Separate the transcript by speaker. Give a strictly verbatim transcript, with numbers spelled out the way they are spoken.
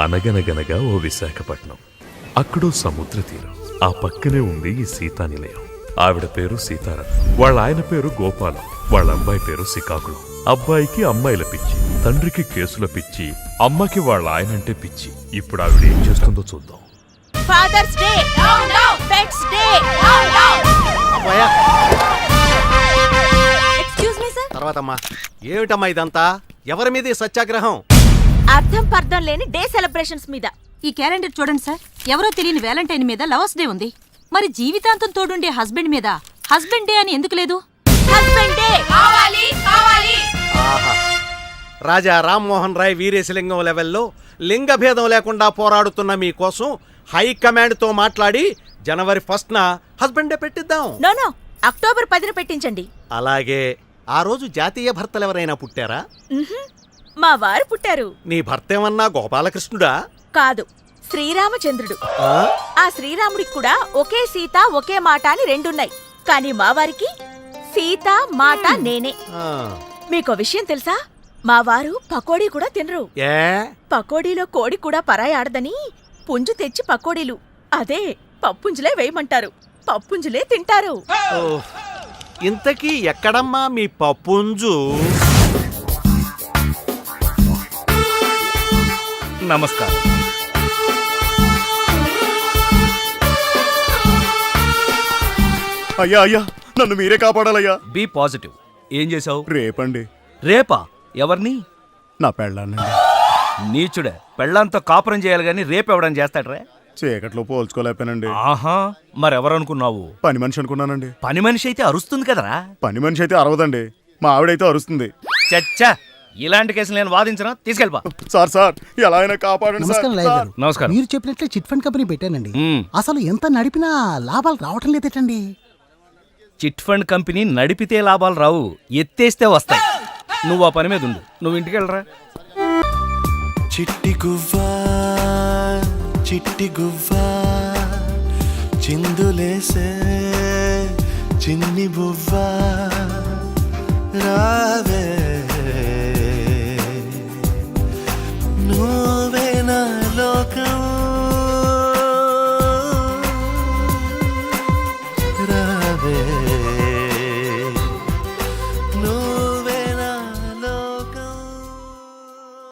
Speaker 1: అనగనగనగా ఓ విశాఖపట్నం. అక్కడో సముద్ర తీరం. ఆ పక్కనే ఉంది ఈ సీతా నిలయం. ఆవిడ పేరు సీతారాం, వాళ్ళ ఆయన పేరు గోపాలం, వాళ్ళ అబ్బాయి పేరు శ్రీకాకుళం. అబ్బాయికి అమ్మాయిల పిచ్చి, తండ్రికి కేసుల పిచ్చి, అమ్మకి వాళ్ళ ఆయనంటే పిచ్చి. ఇప్పుడు ఆవిడ ఏం చేస్తుందో చూద్దాం.
Speaker 2: Fathers day, pets day. Excuse me sir.
Speaker 3: తర్వాతమ్మా ఏమిటమ్మా ఇదంతా? ఎవరి మీద ఈ సత్యాగ్రహం?
Speaker 2: అర్థం పర్థం లేని డే సెలబ్రేషన్స్ మీద.
Speaker 4: ఈ క్యాలెండర్ చూడండి సార్. ఎవరో తెలియని వ్యాలంటైన్ మీద లవర్స్ డే ఉంది. మరి జీవితాంతం తోడుండే హస్బెండ్ మీద హస్బెండ్ డే అని ఎందుకు లేదు?
Speaker 2: హస్బెండ్ డే కావాలి కావాలి.
Speaker 3: ఆహా, రాజా రామ్మోహన్ రాయ్ వీరేశలింగం లెవెల్లో లింగభేదం లేకుండా పోరాడుతున్న మీకోసం హైకమాండ్ తో మాట్లాడి జనవరి ఫస్ట్ న హస్బెండ్ డే పెట్టిద్దాం.
Speaker 2: నో నో, అక్టోబర్ పదిన పెట్టించండి.
Speaker 3: అలాగే ఆ రోజు జాతీయ భర్తలు ఎవరైనా పుట్టారా?
Speaker 2: మా వారు పుట్టారు.
Speaker 3: నీ భర్త ఏమన్నా గోపాలకృష్ణుడా?
Speaker 2: కాదు, శ్రీరామచంద్రుడు. ఆ శ్రీరాముడికి కూడా ఒకే సీత ఒకే మాట అని రెండున్నాయి. కానీ మా వారికి సీత మాట నేనే. మీకో విషయం తెలుసా? మా వారు పకోడీ కూడా తినరు.
Speaker 3: ఏ
Speaker 2: పకోడీలో కోడి కూడా పరాయాడదని పుంజు తెచ్చి పకోడీలు అదే పప్పుంజులే వేయమంటారు. పప్పుంజులే తింటారు.
Speaker 3: ఇంతకీ ఎక్కడమ్మా మీ పప్పుంజు?
Speaker 5: నమస్కారం.
Speaker 6: అయ్యా అయ్యా, నన్ను మీరే కాపాడాలయ్యా.
Speaker 5: Be positive. ఏం చేసావు?
Speaker 6: రేపండి.
Speaker 5: రేపా? ఎవరిని?
Speaker 6: నా పెళ్ళాన్నండి.
Speaker 5: నీచుడే, పెళ్ళంతో కాపురం చేయాలి గాని రేపెవడని చేస్తాడ్రా?
Speaker 6: చీకట్లో పోల్చుకోలేకపోయానండి.
Speaker 5: ఆహా, మరెవరనుకున్నావు?
Speaker 6: పని మనిషి అనుకున్నానండి.
Speaker 5: పని మనిషి అయితే అరుస్తుంది కదరా.
Speaker 6: పని మనిషి అయితే అరవదండి, మా ఆవిడైతే అరుస్తుంది.
Speaker 5: చచ్చా, ఇలాంటి కేసులు నేను వాదించను. తీసుకెళ్ళిపా.
Speaker 6: సార్ సార్ ఎలా అయినా కాపాడండి సార్.
Speaker 7: నమస్కారం లాయర్ గారు.
Speaker 5: నమస్కారం.
Speaker 7: మీరు చెప్పినట్లే చిట్ ఫండ్ కంపెనీ పెట్టానండి.
Speaker 5: మ్మ్.
Speaker 7: అసలు ఎంత నడిపినా లాభాలు రావటం లేదేటండి.
Speaker 5: చిట్ ఫండ్ కంపెనీ నడిపితే లాభాలు రావు, ఎత్తేస్తే వస్తాయి. నువ్వు ఆ పని మీద ఉండు. నువ్వు ఇంటికి వెళ్ళరా.
Speaker 8: చిట్టి గువ్వా చిట్టి గువ్వా చిందులేసే చిన్ని బువ్వా రావే